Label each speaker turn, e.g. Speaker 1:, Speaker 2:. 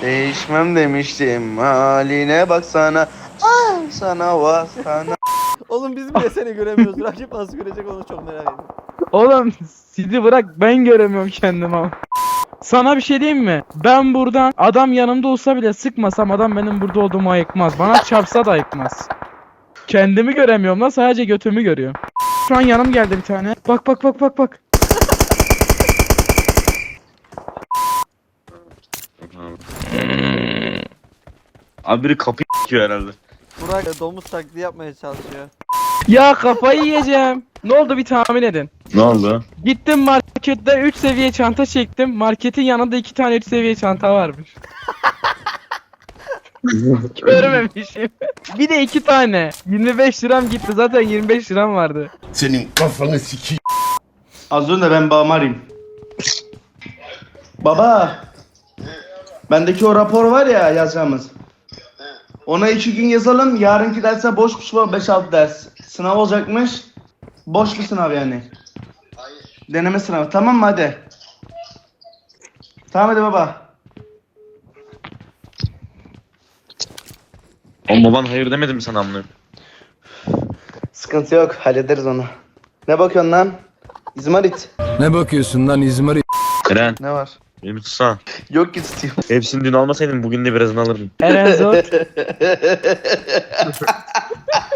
Speaker 1: Değişmem demiştim haline baksana. Ah sana vah sana.
Speaker 2: Oğlum biz bile seni göremiyoruz. Rakip nasıl görecek onu çok merak ediyorum.
Speaker 3: Oğlum sizi bırak, ben göremiyorum kendimi ama. Sana bir şey diyeyim mi? Ben buradan adam yanımda olsa bile sıkmasam adam benim burada olduğumu ayıkmaz. Bana çarpsa da ayıkmaz. Kendimi göremiyorum lan, sadece götümü görüyorum. Şu an yanım geldi bir tane. Bak bak bak bak bak.
Speaker 4: Abi biri kapıyı s***yor herhalde.
Speaker 2: Burak domuz taklidi yapmaya çalışıyor.
Speaker 3: Ya kafayı yiyeceğim. Ne oldu bir tahmin edin.
Speaker 4: Ne oldu?
Speaker 3: Gittim markette 3 seviye çanta çektim. Marketin yanında 2 tane 3 seviye çanta varmış. Görmemişim. Bir de 2 tane. 25 liram gitti, zaten 25 liram vardı.
Speaker 5: Senin kafanı sikeyim.
Speaker 1: Az önce ben babamı arayayım. Baba. Bendeki o rapor var ya yazacağımız. Ona 2 gün yazalım. Yarınki derse boşmuş var 5-6 ders. Sınav olacakmış. Boş bir sınav yani. Hayır. Deneme sınavı. Tamam mı hadi. Tamam hadi baba.
Speaker 4: Oğlum baban hayır demedi mi sana amına?
Speaker 1: Sıkıntı yok. Hallederiz onu. Ne bakıyorsun lan? İzmarit.
Speaker 5: Ne bakıyorsun lan İzmarit?
Speaker 4: Eren,
Speaker 1: Ne var?
Speaker 4: beni tutsana.
Speaker 1: Yok ki tutayım.
Speaker 4: Hepsini dün almasaydın bugün de birazını alırdın.
Speaker 3: Eren Zot.